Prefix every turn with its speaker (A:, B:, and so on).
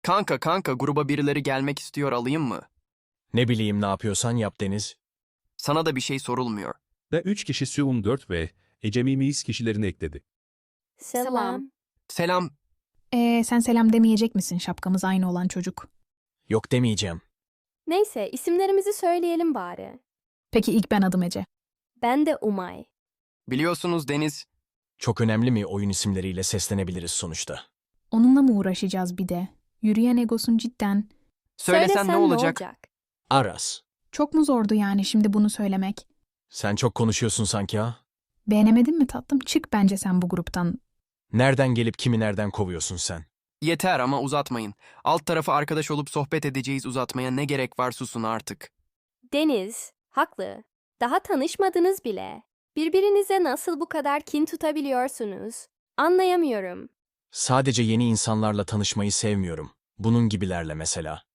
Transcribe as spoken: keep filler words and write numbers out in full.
A: Kanka kanka gruba birileri gelmek istiyor alayım mı?
B: Ne bileyim ne yapıyorsan yap Deniz.
A: Sana da bir şey sorulmuyor.
C: Ve üç kişi Suun dört ve Ecemi Miyiz kişilerini ekledi.
D: Selam.
A: Selam.
E: Ee, sen selam demeyecek misin şapkamız aynı olan çocuk?
B: Yok demeyeceğim.
D: Neyse isimlerimizi söyleyelim bari.
E: Peki ilk ben adım Ece.
D: Ben de Umay.
A: Biliyorsunuz Deniz,
B: Çok önemli mi oyun isimleriyle seslenebiliriz sonuçta.
E: Onunla mı uğraşacağız bir de? Yürüyen egosun cidden.
A: söylesen ne olacak?
B: Aras.
E: Çok mu zordu yani şimdi bunu söylemek?
B: Sen çok konuşuyorsun sanki ha?
E: Beğenemedin mi tatlım? Çık bence sen bu gruptan.
B: Nereden gelip kimi nereden kovuyorsun sen?
A: Yeter ama uzatmayın. Alt tarafı arkadaş olup sohbet edeceğiz, uzatmaya ne gerek var, susun artık.
D: Deniz, haklı. Daha tanışmadınız bile. Birbirinize nasıl bu kadar kin tutabiliyorsunuz? Anlayamıyorum.
B: Sadece yeni insanlarla tanışmayı sevmiyorum. Bunun gibilerle mesela.